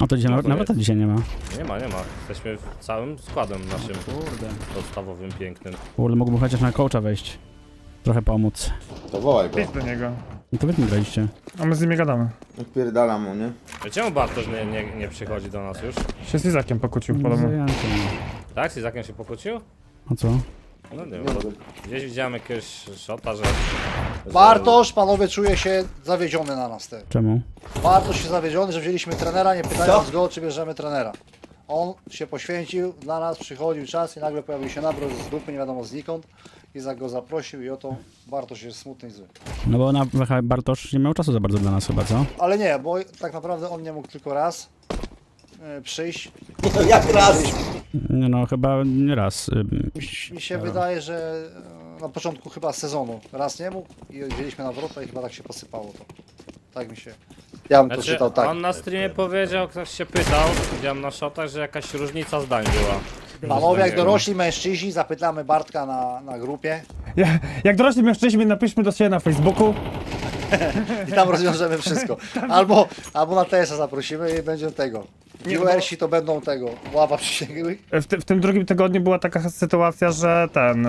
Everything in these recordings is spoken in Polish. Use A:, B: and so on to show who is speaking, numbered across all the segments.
A: A to dzisiaj,
B: No to
A: nawet to
B: jest.
A: dzisiaj nie ma.
B: Nie ma. Jesteśmy całym składem naszym
A: Kurde.
B: podstawowym, pięknym.
A: Kurde, mógłbym chociaż na coacha wejść. Trochę pomóc.
C: To wołaj go.
D: Idź do niego.
A: No to wy mi graliście.
D: A my z nimi gadamy.
C: Odpierdalam mu, nie?
B: Czemu Bartosz nie przychodzi do nas już?
D: Się z Izakiem pokłócił podobno.
A: Zajęty, no.
B: Tak? Z Izakiem się pokłócił?
A: A co?
B: No nie wiem, bo gdzieś widziałem jakiegoś shota, że...
E: Bartosz, panowie, czuje się zawiedziony na nas.
A: Czemu?
E: Bartosz się zawiedziony, że wzięliśmy trenera, nie pytając go, czy bierzemy trenera. On się poświęcił dla nas, przychodził czas i nagle pojawił się nabrój z dupy, nie wiadomo znikąd. Izak go zaprosił i oto Bartosz jest smutny i zły.
A: No bo na WH Bartosz nie miał czasu za bardzo dla nas chyba, co?
E: Ale nie, bo tak naprawdę on nie mógł tylko raz przyjść.
C: No jak raz?
A: Nie no, chyba nie raz.
E: Mi się wydaje, że na początku chyba sezonu raz nie mógł i wzięliśmy na wrota i chyba tak się posypało to. Tak mi się... Ja bym to
B: Znaczy,
E: czytał tak.
B: on na streamie powiedział, ktoś się pytał, widziałem na shotach, że jakaś różnica zdań była.
E: Panowie, jak dorośli mężczyźni, zapytamy Bartka na grupie
D: Jak dorośli mężczyźni, napiszmy do siebie na Facebooku.
E: i tam rozwiążemy wszystko. Albo na TS-a zaprosimy i będzie tego. Viewersi to będą tego, ława przysięgłych.
D: W tym drugim tygodniu była taka sytuacja, że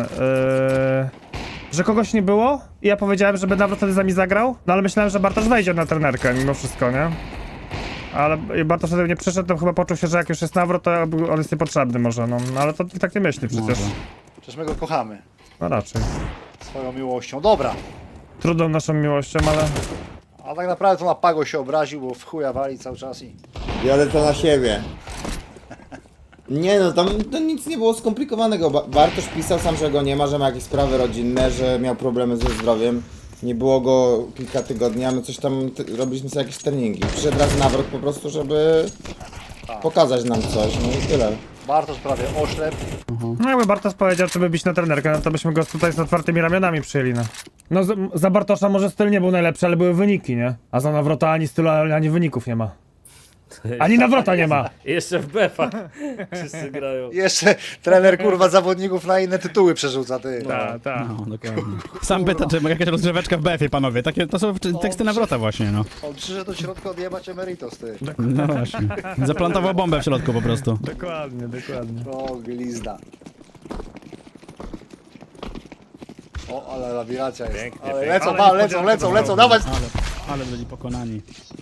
D: że kogoś nie było i ja powiedziałem, żeby Nawrot wtedy z nami zagrał, no ale myślałem, że Bartosz wejdzie na trenerkę mimo wszystko, nie? Ale Bartosz wtedy nie przyszedł, to chyba poczuł się, że jak już jest Nawrot, to on jest niepotrzebny może, no ale to tak nie myśli przecież.
A: Może.
E: Przecież my go kochamy.
D: No raczej.
E: Swoją miłością. Dobra.
D: Trudną naszą miłością, ale...
E: A tak naprawdę to na Pago się obraził, bo w chuja wali cały czas i...
C: Jadę to na siebie. Nie no, tam to nic nie było skomplikowanego. Bartosz pisał sam, że go nie ma, że ma jakieś sprawy rodzinne, że miał problemy ze zdrowiem. Nie było go kilka tygodni, a my coś tam robiliśmy sobie jakieś treningi. Przyszedł raz nawrot po prostu, żeby pokazać nam coś, no i tyle.
E: Bartosz prawie oślep.
D: No jakby Bartosz powiedział, żeby bić na trenerkę, no to byśmy go tutaj z otwartymi ramionami przyjęli, no. No za Bartosza może styl nie był najlepszy, ale były wyniki, nie? A za Nawrota ani stylu, ani wyników nie ma. Ani Nawrota nie ma.
B: I jeszcze w BF-ach wszyscy grają.
E: Jeszcze trener kurwa zawodników na inne tytuły przerzuca, ty.
D: Tak.
A: No, dokładnie. Sam pyta, czy jakaś rozgrzeweczka w BF-ie, panowie. Takie, to są teksty nawrota właśnie, no.
E: On przyszedł do środka odjebać emeritos, ty.
A: No właśnie. Zaplantował bombę w środku po prostu.
D: Dokładnie.
E: O, glizda. O, ale labiryncia jest.
B: Pięknie,
E: Ale
B: pięknie.
E: lecą,
D: Ale
E: lecą, dawać!
A: Ale byli pokonani.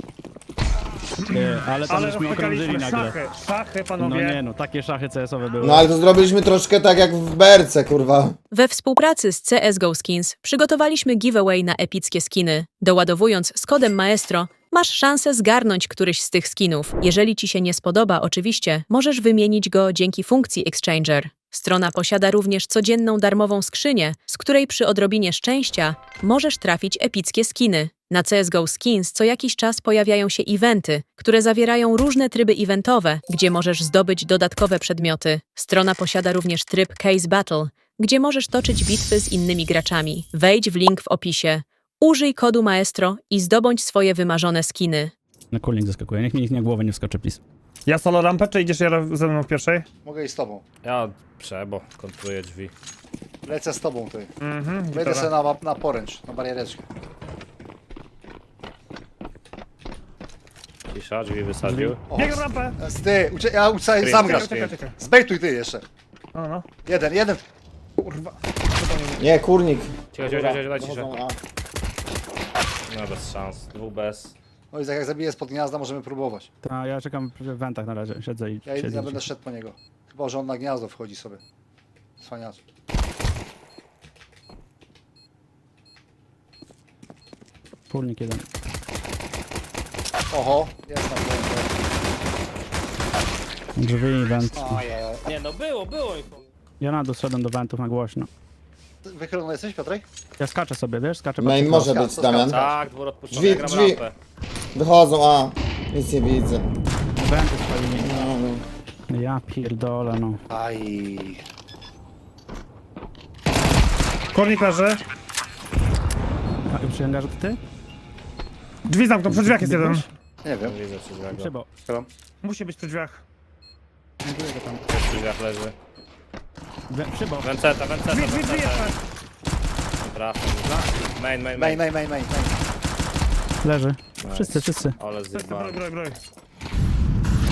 A: Ale tam żeśmy okrążyli nagle.
D: Szachy,
A: No
D: panowie.
A: nie no, takie szachy CS-owe były.
C: No ale to zrobiliśmy troszkę tak jak w berce, kurwa.
F: We współpracy z CSGO Skins przygotowaliśmy giveaway na epickie skiny. Doładowując z kodem Maestro, masz szansę zgarnąć któryś z tych skinów. Jeżeli ci się nie spodoba, oczywiście, możesz wymienić go dzięki funkcji Exchanger. Strona posiada również codzienną darmową skrzynię, z której przy odrobinie szczęścia możesz trafić epickie skiny. Na CSGO Skins co jakiś czas pojawiają się eventy, które zawierają różne tryby eventowe, gdzie możesz zdobyć dodatkowe przedmioty. Strona posiada również tryb Case Battle, gdzie możesz toczyć bitwy z innymi graczami. Wejdź w link w opisie. Użyj kodu Maestro i zdobądź swoje wymarzone skiny.
A: Na kulnik zaskakuje, niech mi nikt na głowę nie wskoczy, please.
D: Ja solo rampę, czy idziesz ze mną w pierwszej?
E: Mogę iść z tobą.
B: Ja bo kontruję drzwi.
E: Lecę z tobą, ty.
D: Mhm.
E: Wejdę sobie na poręcz, na bariereczkę.
B: Cisza, drzwi wysadził.
E: O,
D: Biegam rampę!
E: ty, sam grasz.
D: Czekaj.
E: Zbejtuj ty jeszcze.
D: No.
E: Jeden.
D: Kurwa.
C: Nie, kurnik.
B: Cicho, daj ciszę.
C: Dochodzą,
B: No bez szans, dwóch bez.
E: No i jak zabiję spod gniazda, możemy próbować.
A: Ta, ja czekam w wentach na razie, siedzę i siedzę.
E: Ja będę szedł po niego. Chyba, że on na gniazdo wchodzi sobie. Cwaniacz.
A: Kulnik jeden.
E: Oho, jest tam.
A: Drzwi, went.
E: Ojej.
B: Nie no, było ich.
A: Ja na dół zszedłem do wentów na głośno.
E: Wychylony jesteś, Piotrek?
A: Ja skaczę sobie, wiesz, skaczę
C: Main
A: pod-
C: może
E: skacz,
C: być,
E: to
C: Damian.
E: skacz.
B: Tak, dwór odpuszczony,
C: Drzwi,
B: ja gram
C: drzwi.
B: rampę.
C: Wychodzą, nic nie widzę.
A: Wenty spalili.
C: No.
A: Ja pierdolę, no.
E: Aj.
D: Kornik leży.
A: A przy hangarzu to ty?
D: Drzwi zamknął, przy drzwiach jest jeden.
E: Nie wiem.
B: Widzę przy drzwiach.
A: Przybo.
D: Musi być przy drzwiach.
B: Przy drzwiach leży.
A: Przybo.
B: Wenceta.
D: Drzwi jeszcze.
B: Trafię. Main.
E: Main.
A: Leży. Wszyscy.
B: Ale zjebałem.
D: Broj.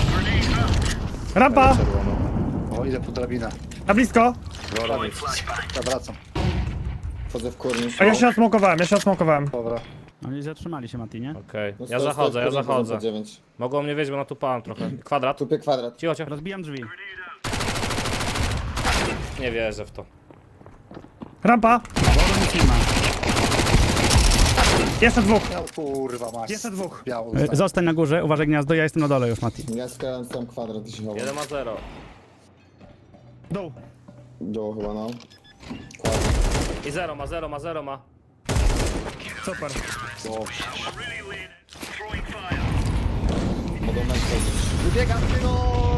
D: Rampa!
E: O, idę po drabinę.
D: Na blisko!
E: Zawracam.
C: Wchodzę w kurnik.
D: A ja się osmokowałem.
E: Dobra.
A: Oni zatrzymali się, Mati, nie?
B: Okej,
C: No,
B: ja
C: stoi,
B: zachodzę,
C: stoi
B: ja
C: w kurniku,
B: zachodzę.
C: 9.
B: Mogą mnie wiedzieć, bo natupałem trochę. Kwadrat.
C: Tupie kwadrat.
B: Cicho, cicho.
A: Rozbijam drzwi.
B: Nie wierzę w to.
D: Rampa!
A: Wodu nic nie ma.
D: Jeszcze dwóch!
E: Ja, kurwa masz.
D: Jeszcze dwóch.
E: Biało.
A: Zostań na górze, uważaj gniazdo, ja jestem na dole już, Mati.
C: Ja skradam sam kwadrat i się chowam.
B: 1-0.
D: Dół.
C: Było chyba, no.
B: I 0 ma.
D: Super.
C: Mogą mecz chodzić.
E: Wybiegam tego!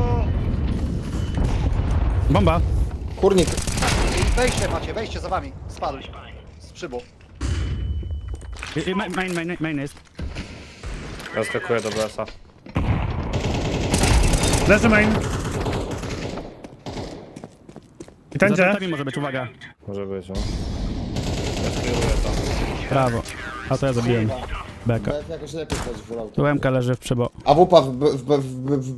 A: Bomba!
C: Kurnik.
E: Wejście macie, wejście za wami. Spadł. Z przybu.
A: Main jest.
B: Ja skakuję do BS-a.
D: Leży main. I
A: Za
D: tędzie.
A: plecami może być, uwaga.
B: Może być, no. Ja skieruję to.
A: Brawo. A to ja zabiłem. Beka.
C: BF jakoś lepiej chodzi w auto.
A: Tu MK leży w przybo.
C: A wupa w...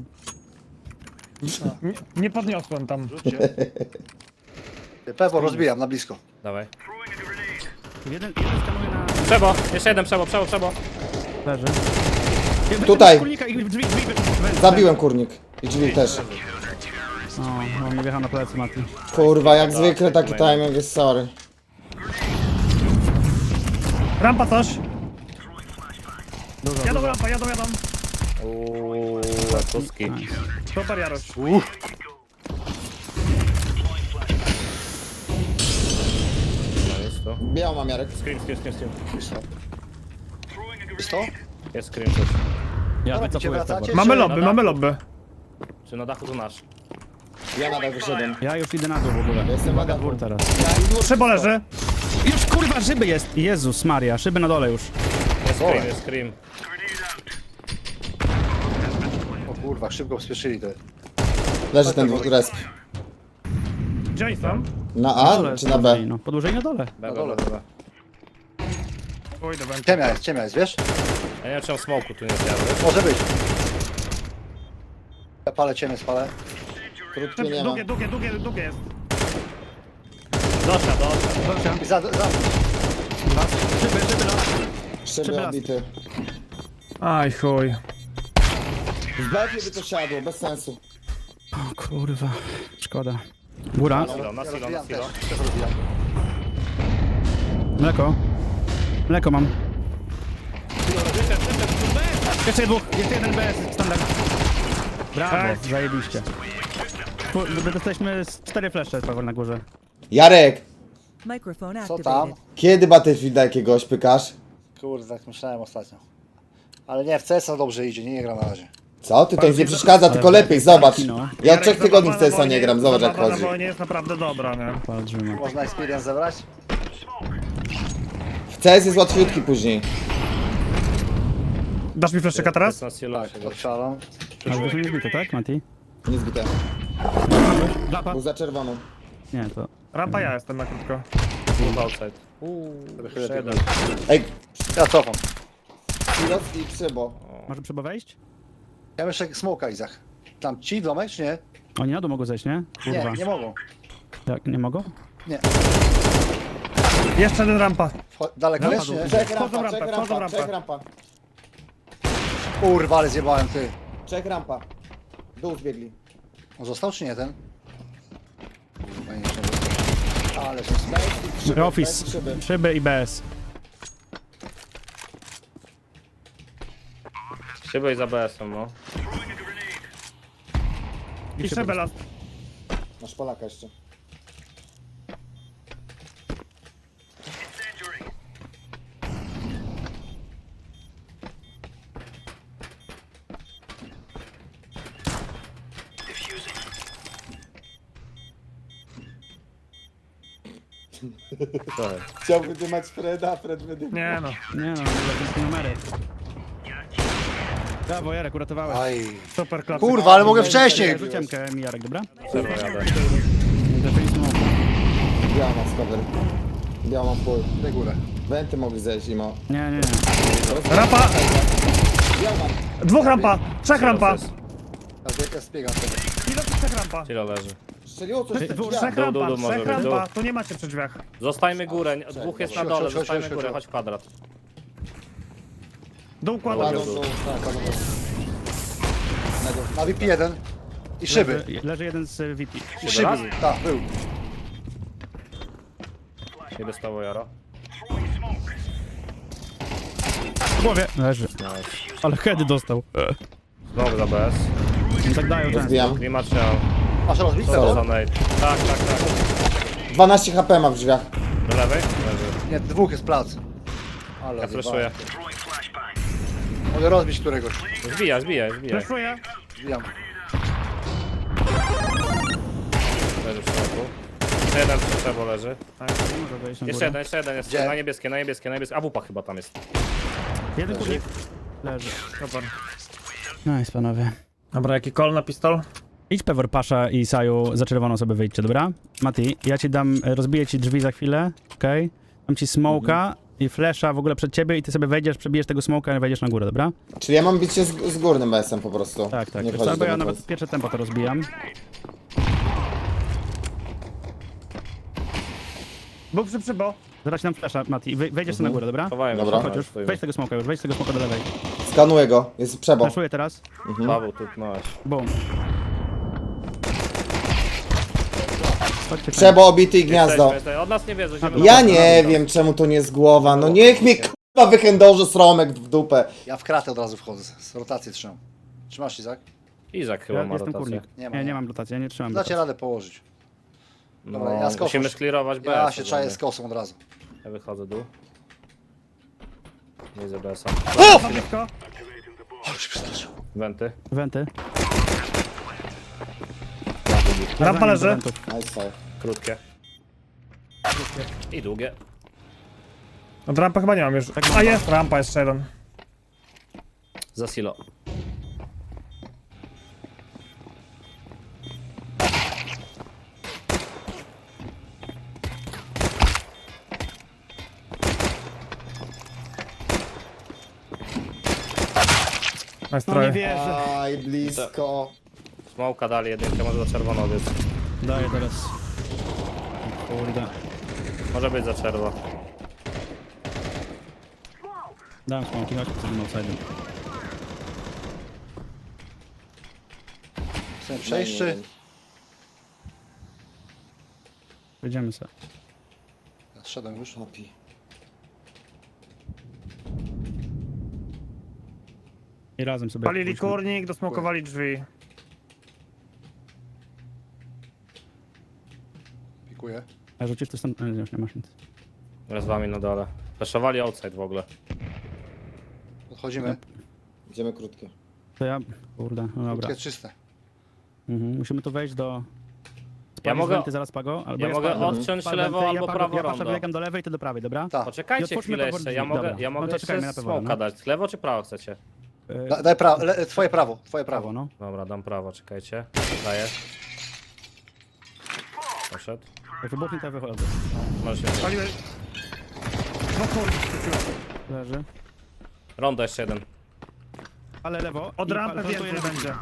D: Nie podniosłem tam.
E: Rzućcie. Pewo rozbijam na blisko.
B: Dawaj.
A: Jeden skanuje na...
B: Przebo! Jeszcze jeden przebo.
A: leży.
C: Tutaj.
A: Kulnika i drzwi.
C: Zabiłem kurnik. I drzwi też.
A: O, on nie wjechał na plecy, Mati.
C: Kurwa, jak zwykle taki timing jest sorry.
D: Rampa coś.
A: Dużo,
D: Jadą
A: dużo.
D: rampa, jadą.
B: Uuuu, tuski.
A: Nice.
D: Super Jarosz.
B: No jest to.
C: Białą mam Jarek.
B: Screen.
E: Jest to?
B: Jest screen coś.
A: Ja
E: Dobra,
A: wycofuję z
E: wracacie?
A: tego.
D: Mamy lobby.
B: Czy na dachu to nasz?
C: Ja nadal wyszedłem.
A: Ja już idę na dół w ogóle.
C: Jestem na dachu.
A: Dwór teraz.
D: Szybo leży.
A: Już kurwa, szyby jest! Jezus Maria, szyby na dole już.
B: Jest screen.
E: O kurwa, szybko spieszyli to.
C: Leży ten resp.
D: Gdzie oni są?
C: Na
A: Dole
C: A czy na B?
A: No, podłużej na dole.
B: Na
E: dole.
D: Pójdę, będzie.
E: Ciemnia jest, wiesz?
B: Ja nie wiem czemu smoku tu nie zjadłem.
E: Może być. Ja palę ciemię, spalę.
C: Krótkie nie ma.
D: Długie jest.
B: Dosia.
E: I za...
C: Szyby odbity.
D: Aj chuj.
C: W B by to siadło, bez sensu.
A: O kurwa, szkoda. Góra,
B: Na
E: Ja
B: silo.
E: rozbijam też. Też rozbijam.
A: mleko. Mleko mam. Jeszcze dwóch, jeszcze jeden BS, standard. Brawo,
D: Nice.
A: zajebiście. Dostaliśmy z 4 flesze Paweł na górze.
C: Jarek!
G: Microphone
E: Co tam?
G: activated.
C: Kiedy Battlefielda jakiegoś pykasz?
E: Kurde, tak myślałem ostatnio. Ale nie, w CS-a dobrze idzie, nie gram na razie.
C: Co? Ty to nic nie przeszkadza, tylko lepiej, zobacz.
A: No.
C: Ja od 3 tygodni w CS-a nie gram, zobacz jak
D: Zabawa
C: chodzi.
D: na wojnie jest naprawdę dobra, nie?
A: Patrzymy.
E: Można experience zebrać?
C: W CS jest łatwiutki później.
D: Dasz mi fleszyka teraz?
B: Jest na silo.
E: Tak, odczalam.
A: Ale to nie zbite, tak Mati?
C: Nie zbite.
A: Klapa?
C: Był za czerwoną.
A: Nie, to...
D: Rampa ja jestem na krótko.
B: Outside. Jeszcze jeden.
C: Ej,
E: Ja cofam.
C: Silos i Przybo.
A: Może trzeba wejść?
E: Ja jeszcze smoka, Izach. Tam ci domek, czy nie?
A: Oni na dół mogą zejść, nie?
E: Nie,
A: Kurwa.
E: nie mogą.
A: Jak, nie mogą?
E: Nie.
D: Jeszcze jeden rampa.
E: Daleko jest, czy nie?
C: Czek
D: Wchodzą
C: rampa, czek
D: rampę, wchodzą
C: rampa,
D: rampę.
C: czek rampa.
E: Kurwa, ale zjebałem, ty.
C: Czek rampa. Dół zbiegli.
E: On został, czy nie ten? Kurwa, nie został. Ale się
C: Szyby,
A: Office,
C: szyby.
A: szyby i BS.
B: Szyby i za BS-em, no.
D: I szybę las.
C: Masz Polaka jeszcze. Chciał wydymać Freda, a Fred wydymał.
D: Nie no.
A: Nie no, jakieś numery. Brawo Jarek, uratowałeś.
E: Aj.
D: Super klap.
E: Kurwa, ale mogę wcześniej!
A: Rzuciłem mi Jarek, dobra?
B: Przebo jadę.
C: Biała ma cover. Biała ma full.
E: Daj górę.
C: Wenty mogli zejść i ma.
A: Nie.
D: Rampa!
C: Biała ma.
D: Dwóch rampa! Trzech rampa!
E: Ja zbiegam z tego.
D: Kilo czy trzech rampa?
B: Tyle leży.
C: Strzeliło coś w tych
A: Dwóch,
C: drzwiach.
D: Trzech rampa,
B: dół może
D: trzech
B: być,
D: rampa.
B: dół.
D: Tu nie macie przy drzwiach.
B: Zostajmy górę, dwóch jest na dole,
E: Chodź,
B: zostajmy
E: chodź,
B: górę,
E: chodź.
B: chodź kwadrat.
D: Dół kładą.
C: Kładą
B: dół.
C: dół, tak, kładą dół.
E: Na VIP 1 i szyby.
A: Leży jeden z VP.
E: I szyby.
B: raz?
E: Tak, był.
B: Nie dostało Jaro.
A: W głowie. Leży.
B: Nice.
A: Ale heady dostał.
B: Znowu za BS.
A: Nie tak dają często.
C: Rozbijam.
B: Nie ma trzeba.
E: Masz rozbić
B: Co to za
E: to?
B: nade? Tak, tak, tak.
C: 12 HP ma w drzwiach.
B: Do lewej? Leży.
E: Nie, dwóch jest plac. Ale
B: Ja flashuję.
E: Mogę rozbić któregoś.
B: Zbijaj, zbijaj, zbijaj.
D: Flashuję.
E: Zbijam.
B: Leży w środku. Jeszcze jeden przy trzeba leży.
A: Tak, nie może wejść na
B: Jeszcze
A: górę.
B: jeden jest.
E: Gdzie?
B: Na niebieskie, na niebieskie, na niebieskie. A wupa chyba tam jest.
A: Jeden kubik. Leży. Super. Nice, panowie.
D: Dobra, jaki kol na pistol?
A: Idź Pewor, Pasza i Saju za czerwoną sobie wyjdźcie, dobra? Mati, ja ci dam, rozbiję ci drzwi za chwilę, okej? Dam ci smoka i flasha w ogóle przed ciebie i ty sobie wejdziesz, przebijesz tego smoka i wejdziesz na górę, dobra?
C: Czyli ja mam bić się z górnym BS-em po prostu.
A: Tak, tak.
C: Nie
A: Wiesz
C: wchodzić
A: co, bo
C: do
A: ja
C: BS.
A: nawet pierwsze tempo to rozbijam.
D: Był przy przybo.
A: Zaraz ci dam flasha, Mati, i wejdziesz sobie na górę, dobra?
B: Chowałem
C: Dobra.
B: się,
A: Chodź już,
B: stoimy.
A: wejdź tego smoka już, wejdź tego smoka do lewej.
C: Skanuję go, jest przebo.
A: Flashuję teraz,
B: Paweł, tu masz.
A: boom. Chodźcie,
C: Przebo obity i gniazdo.
B: Jesteśmy. Od nas nie wiedzą, idziemy
C: Ja
B: do-
C: nie wiem czemu to nie jest głowa, no niech mnie k***a wychędoży sromek w dupę.
E: Ja w kratę od razu wchodzę. Z rotacji trzymam. Trzymasz, Izak?
B: Izak chyba
A: Ja
B: ma
A: jestem
B: rotację.
A: kurnik.
E: Nie ma,
A: Nie,
E: nie.
A: nie mam rotacji, ja nie trzymam
E: Dacie
A: rotacji.
E: radę położyć.
B: No,
E: Dobra, ja z kosą.
B: musimy sklirować BS.
E: Ja się czaję
B: ogólnie.
E: z kosą od razu.
B: Ja wychodzę dół. Nie za BS-a.
D: O! Blisko.
E: Ale się przestraszył.
B: Wenty.
A: Wenty.
D: Rampa leży.
A: Wentów.
C: Nice fire.
B: Krótkie. I długie.
D: Od rampy chyba nie mam już. A jest, rampa jeszcze jeden.
B: Za silo.
D: Nice
A: No nie
D: try.
A: wierzę.
C: Aj, blisko.
B: Smołka dali jedynkę, może za czerwono więc.
A: Daję teraz. Kurde.
B: Może być za czerwo.
A: Dałem smoki, chodź przed tym outside'em.
E: Chcę przejść czy...
A: Wyjdziemy sobie.
E: Ja zszedłem już.
C: Opi.
A: I razem sobie...
D: Palili
A: pójdźmy.
D: kurnik, dosmokowali drzwi.
E: Pikuję.
A: A rzucisz to stąd? Nie, już nie masz nic.
B: Z wami na dole. Flashowali outside w ogóle.
E: Podchodzimy.
C: Idziemy krótkie.
A: To ja... Kurde, no dobra.
E: Krótkie czyste.
A: Musimy tu wejść do...
B: Ja
A: Spalisz
B: mogę-
A: wenty zaraz Pago? Albo
B: Ja mogę
A: spalę-
B: odciąć
A: spalę
B: lewo
A: wenty,
B: albo
A: Pago-
B: prawo
A: Ja patrzę,
B: rondo.
A: biegam do lewej, ty do prawej, dobra?
E: Tak.
A: I
B: Poczekajcie
A: otwórzmy
B: chwilę
A: Pewor
B: jeszcze,
A: drzwi.
B: ja mogę,
A: Dobra.
B: ja
A: No
B: mogę
A: to czekajmy
B: jeszcze
A: na Pewora,
B: smoka
A: no.
B: dać. Lewo czy prawo chcecie?
E: Daj prawo, twoje prawo, twoje
A: Prawo,
E: prawo.
A: no.
B: Dobra, dam prawo, czekajcie. Daję. Poszedł.
A: Jak wybuchnie, to ja wychodzę.
B: Możesz się...
D: Paliły. No kurnik.
A: Leży.
B: Rondo jeszcze jeden.
A: Ale lewo.
D: Od
A: i
D: rampy
A: plantuję
D: więcej
A: lewo.
D: będzie.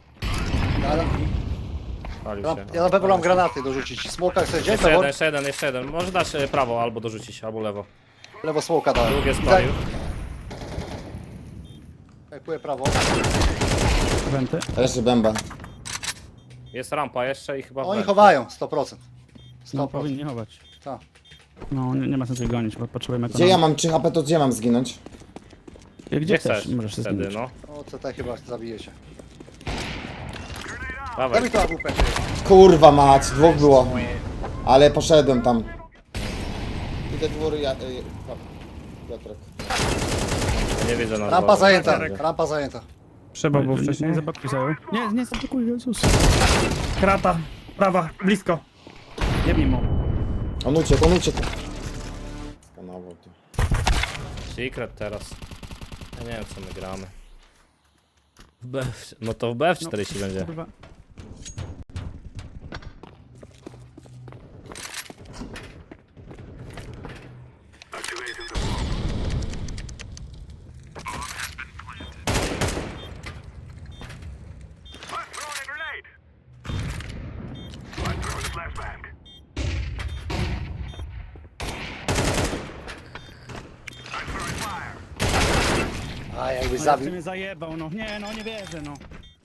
B: Palił się.
E: Ja na pewno mam granaty dorzucić. Smoka chcesz gdzie? Pewor?
B: Jeszcze jeden. Może dasz prawo albo dorzucić, albo lewo.
E: Lewo smoka dałem.
B: Drugie
E: Izak,
B: spalił.
E: Pikuję prawo.
A: Wenty.
C: Leży bęba.
B: Jest rampa jeszcze i chyba...
E: Oni
B: węd.
E: chowają, 100%.
A: No
E: 100%.
A: powinni chować.
E: Tak.
A: No nie ma sensu ich gonić, bo potrzebujemy
C: Gdzie ja mam 3 HP, to gdzie mam zginąć?
A: Gdzie
B: chcesz?
A: chcesz? Możesz się
B: Wtedy,
A: zginąć.
B: no.
E: O, CT chyba zabijecie.
B: Dawaj.
E: Daj mi to AWP.
C: Kurwa mać, dwóch było. Ale poszedłem tam. Idę dwór, Piotrek.
B: Nie widzę na
E: Rampa
B: dole.
E: zajęta,
B: Będzie.
E: rampa zajęta.
D: Przybo był
A: Nie
D: wcześniej.
A: zablokuj Saju. Nie zablokuj, Jezus.
D: Krata. Prawa, blisko.
A: Jebnij mu.
C: On uciekł. Skanował tu.
B: Secret teraz. Ja nie wiem co my gramy. W BF... No to w BF40 będzie.
A: Kurwa.
E: żebyś
A: No,
E: zabił.
A: mnie zajebał, no. Nie, no nie wierzę, no.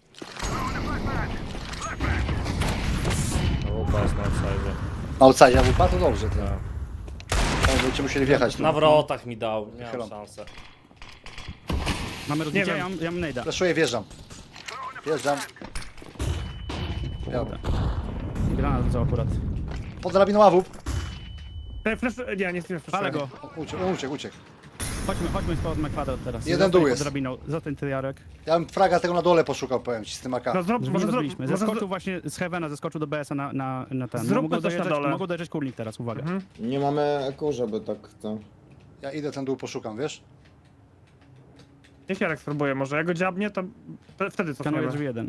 B: Łupa jest na outside.
E: Na outside AWP to dobrze. To.
B: Tak.
E: Będziecie musieli wjechać tu.
B: Na wrotach mi dał, nie mam
E: Wychylam.
B: szansę.
A: Mamy rozbicie,
D: wiem.
A: ja mam nejda.
E: Flaszuję, wjeżdżam. Wjeżdżam. Biało.
A: Granat co akurat.
E: Pod drabiną AWP.
D: Flash, nie flash.
A: Palę go.
E: Uciekł.
A: Chodźmy z kwadrat teraz.
E: Jeden
A: Zostań
E: dół
A: pod
E: jest.
A: drabiną. Zostań ty, Jarek.
E: Ja bym fraga tego na dole poszukał, powiem ci, z tym AK.
D: No zrób,
A: Może
D: może
A: zrobiliśmy.
D: zrób,
A: Zeskoczył właśnie z Heavena, zeskoczył do BS-a na ten.
D: Zróbmy
A: Mogą
D: coś na
A: dojeżdżać-
D: dole.
A: Mogą dojeżdżać kurnik teraz, uwaga.
C: Nie mamy eku, żeby tak to...
E: Ja idę ten dół poszukam, wiesz?
D: Niech Jarek spróbuje, może jak go dziabnie, to wtedy
A: Skanuję
D: cofniemy.
A: drzwi jeden.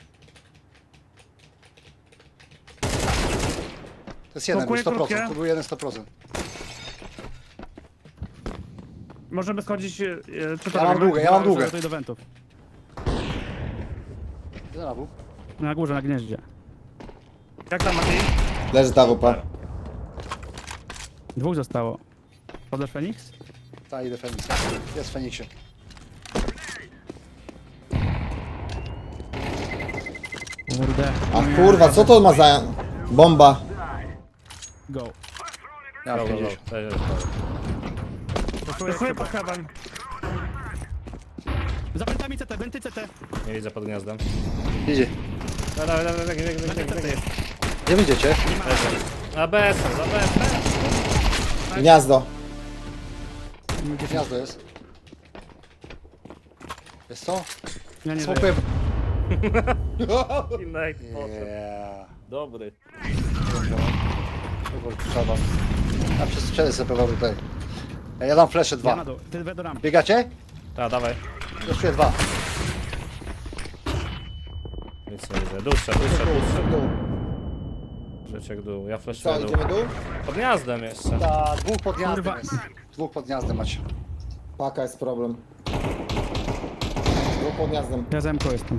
E: To jest jeden, był
D: Smokuję
E: 100%,
D: krótkie.
E: to był jeden 100%.
D: Możemy schodzić, czy to
E: Ja mam
D: robimy?
E: długę, ja mam długę.
A: Tutaj do wentów.
E: Jeden AWP.
A: Na górze, na gnieździe.
D: Jak tam, Mati?
C: Leży ta AWP.
A: Dwóch zostało. Podasz Feniks?
E: Tak, idę Feniks. Jest w Feniksie.
A: Kurde.
C: A kurwa, co to ma za... Bomba.
A: Go.
E: Ja mam 50.
D: Flashuję pod heaven.
A: Za wentami CT, wenty CT.
B: Nie widzę pod gniazdem.
E: Idzie.
B: Dawaj.
E: Gdzie wyjdziecie?
B: Na BS, za BS.
C: Gniazdo.
E: Gniazdo jest. Jest co?
A: Ja nie wiem.
E: Smokuję.
B: Yeah. Dobry.
E: Trzeba. Ja przez strzelę sobie pewnie tutaj. Ja dam flesze
A: Ja
E: 2.
A: na dół. Ty we do rampy.
E: Biegacie?
B: Tak, dawaj.
E: Flaszuję 2.
B: Nic nie widzę. Dłuższe. Trzeciek dół. Ja
C: Co,
B: flashuję dół.
C: idziemy dół?
B: Pod gniazdem jeszcze.
E: Ta, dwóch pod gniazdem
A: Kurwa.
E: jest. Dwóch pod gniazdem macie.
C: Paka jest problem. Dwóch pod gniazdem.
A: Ja zemko jestem.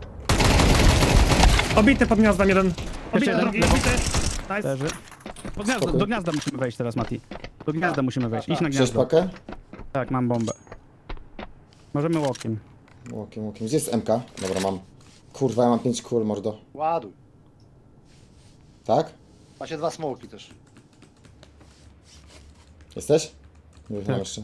D: Obity pod gniazdem jeden. Obity
A: jeden,
D: drugi,
A: lewo.
D: obity. Nice.
A: Leży. Pod gniazdo, do gniazda musimy wejść teraz, Mati. Do gniazda musimy wejść. Idź na
C: Chcesz
A: gniazdo.
C: pakę?
A: Tak, mam bombę. Możemy łokiem.
C: Łokiem. Gdzie jest MK? Dobra, mam. Kurwa, ja mam 5 kul, mordo.
E: Ładuj.
C: Tak?
E: Macie 2 smoki też.
C: Jesteś? Nie wiem
A: Tak.
C: jeszcze.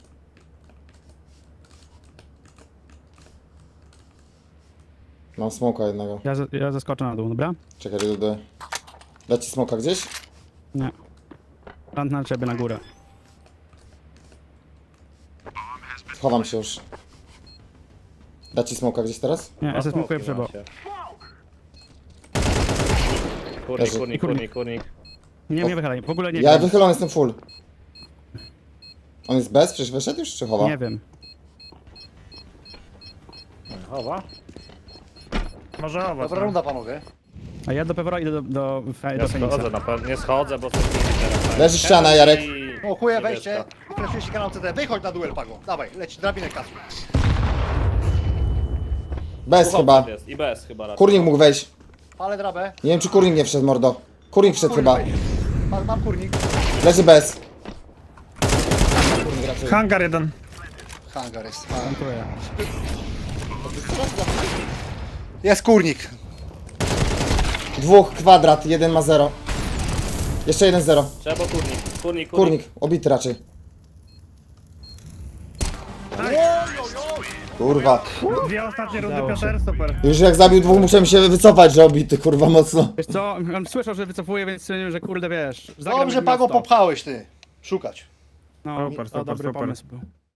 C: Mam smoka jednego.
A: Ja zeskoczę na dół, dobra?
C: Czekaj, idę. Dać ci smoka gdzieś?
A: Nie. Plant na ciebie na górę.
C: Chowam się już. Dać ci smoka gdzieś teraz?
A: Nie, ja se smokuję
B: Smoki
A: przebo.
B: macie. Kurnik,
C: Leży.
B: kurnik.
A: Nie wychylaj, w ogóle nie
C: Ja
A: wiem.
C: wychylony jestem full. On jest bez? Przecież wyszedł już czy chowa?
A: Nie wiem.
B: Chowa?
D: Może owoc.
E: Dobra runda, panowie.
A: A ja do Pewora idę do
B: Ja
A: Feniksa.
B: schodzę na pewno. Nie schodzę, bo to teraz.
C: Leży ściana, Jarek.
E: Smokuję
B: Niebieska.
E: wejście. Fleszujecie kanał CT. Wychodź na duel, Pago. Dawaj, leci drabinę kasu.
C: Bez chyba.
B: Jest. I bez chyba raczej.
C: Kurnik mógł wejść.
E: Palę drabę.
C: Nie wiem czy kurnik nie wszedł, mordo. Kurnik wszedł chyba.
E: Mam kurnik.
C: Leży bez. Kurnik raczej.
D: Hangar jeden.
E: Hangar jest.
A: Dziękuję.
E: Jest kurnik.
C: Dwóch, kwadrat, jeden ma 0. Jeszcze jeden 0.
B: Trzeba kurnik.
C: Kurnik, obity raczej. Kurwa.
D: Dwie ostatnie rundy,
A: Udało się.
D: Piotr, super.
C: Już jak zabił dwóch, musiałem się wycofać, że obity, kurwa, mocno.
A: Wiesz co, on słyszał, że wycofuje, więc stwierdziłem, że kurde, wiesz. zagram
E: Dobrze,
A: jak
E: Pago,
A: miasto.
E: popchałeś ty. Szukać.
A: No,
D: Super,
A: to
D: super,
A: dobry
D: super.
A: pomysł był.